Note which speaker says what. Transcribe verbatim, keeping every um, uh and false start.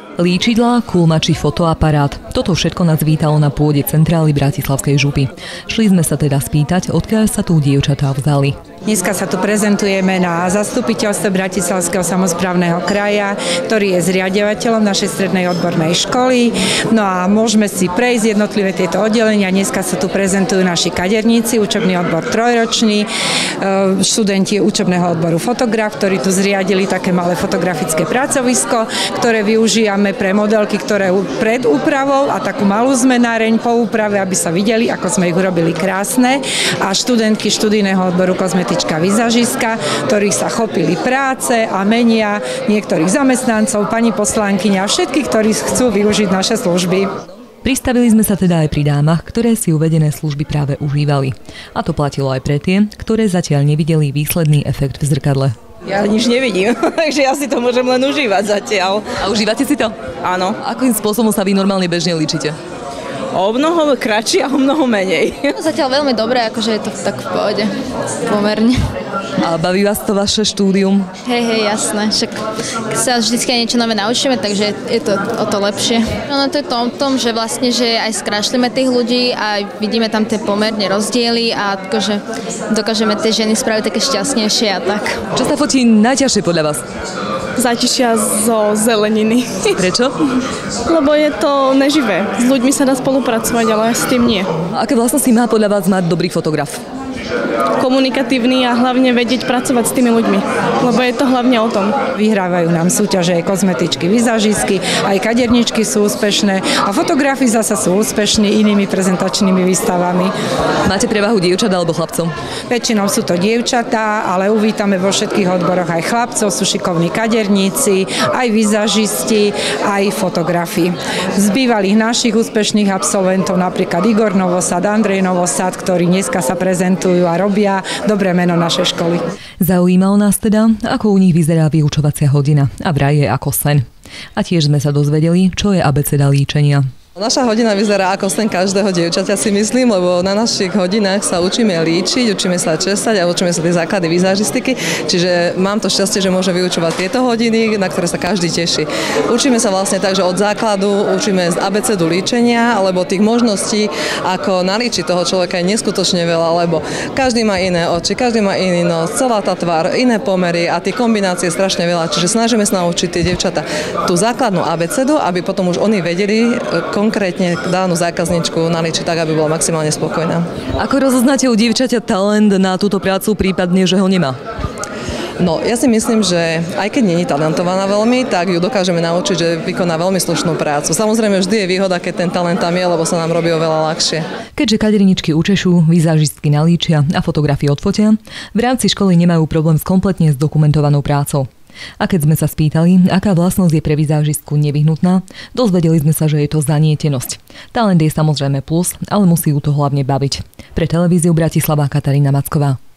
Speaker 1: Líčidlá, kulma či fotoaparát. Toto všetko nás vítalo na pôde centrály Bratislavskej župy. Šli sme sa teda spýtať, odkiaľ sa tu dievčatá vzali.
Speaker 2: Dneska sa tu prezentujeme na zastupiteľstve Bratislavského samosprávneho kraja, ktorý je zriaďovateľom našej strednej odbornej školy. No a môžeme si prejsť jednotlivé tieto oddelenia. Dneska sa tu prezentujú naši kaderníci, učebný odbor trojročný, študenti učebného odboru fotograf, ktorí tu zriadili také malé fotografické pracovisko, ktoré využívame pre modelky, ktoré pred úpravou a takú malú zmenáreň po úprave, aby sa videli, ako sme ich urobili krásne. A študentky študijného odboru kozmetička vizažistka, ktorí sa chopili práce a menia niektorých zamestnancov, pani poslankyňa a všetkých, ktorí chcú využiť naše služby.
Speaker 1: Pristavili sme sa teda aj pri dámach, ktoré si uvedené služby práve užívali. A to platilo aj pre tie, ktoré zatiaľ nevideli výsledný efekt v zrkadle.
Speaker 3: Ja nič nevidím, takže ja si to môžem len užívať zatiaľ.
Speaker 1: A užívate si to?
Speaker 3: Áno.
Speaker 1: Akým spôsobom sa vy normálne bežne líčite?
Speaker 3: O mnoho kratšie a o mnoho menej.
Speaker 4: Zatiaľ veľmi dobré, akože je to tak v pohode, pomerne.
Speaker 1: A baví vás to vaše štúdium?
Speaker 4: Hej, hej, jasné. Však sa vždycky niečo nové naučíme, takže je to o to lepšie. No to je to o tom, že vlastne, že aj skrášlime tých ľudí a vidíme tam tie pomerne rozdiely a akože dokážeme tie ženy spraviť také šťastnejšie a tak.
Speaker 1: Čo sa fotí najťažšie podľa vás?
Speaker 5: Zátišia zo zeleniny.
Speaker 1: Prečo?
Speaker 5: Lebo je to neživé. S ľuďmi sa dá spolupracovať, ale s tým nie.
Speaker 1: Aké vlastnosti má podľa vás mať dobrý fotograf?
Speaker 5: Komunikatívny a hlavne vedieť pracovať s tými ľuďmi, lebo je to hlavne o tom.
Speaker 2: Vyhrávajú nám súťaže aj kozmetičky, vizažistky, aj kaderničky sú úspešné a fotografi zasa sú úspešní inými prezentačnými výstavami.
Speaker 1: Máte prevahu dievčat alebo chlapcov?
Speaker 2: Väčšinou sú to dievčatá, ale uvítame vo všetkých odboroch aj chlapcov, sú šikovní kaderníci, aj vizažisti, aj fotografi. Z bývalých našich úspešných absolventov napríklad Igor Novosad, Andrej Novosad, ktorí dneska sa prezentujú a robia dobré meno našej školy.
Speaker 1: Zaujímalo nás teda, ako u nich vyzerá vyučovacia hodina a vraj je ako sen. A tiež sme sa dozvedeli, čo je abeceda líčenia.
Speaker 6: Naša hodina vyzerá ako sen každého dievčaťa, si myslím, lebo na našich hodinách sa učíme líčiť, učíme sa česať a učíme sa tie základy vizažistiky, čiže mám to šťastie, že môžem vyučovať tieto hodiny, na ktoré sa každý teší. Učíme sa vlastne tak, že od základu učíme z abecedu líčenia, alebo tých možností, ako nalíčiť toho človeka je neskutočne veľa, lebo každý má iné oči, každý má iný nos, celá tá tvár, iné pomery a tie kombinácie strašne veľa, čiže snažíme sa naučiť tie dievčatá tú základnú abecedu, aby potom už oni vedeli konkrétne danú zákazničku nalíčiť tak, aby bola maximálne spokojná.
Speaker 1: Ako rozoznáte u dievčaťa talent na túto prácu, prípadne, že ho nemá?
Speaker 6: No, ja si myslím, že aj keď nie je talentovaná veľmi, tak ju dokážeme naučiť, že vykoná veľmi slušnú prácu. Samozrejme, vždy je výhoda, keď ten talent tam je, lebo sa nám robí oveľa ľahšie.
Speaker 1: Keďže kaderničky učešú, vizažistky nalíčia a fotografie odfotia, v rámci školy nemajú problém s kompletne zdokumentovanou prácou. A keď sme sa spýtali, aká vlastnosť je pre vizážistku nevyhnutná, dozvedeli sme sa, že je to zanietenosť. Talent je samozrejme plus, ale musí ju to hlavne baviť. Pre televíziu Bratislava Katarína Macková.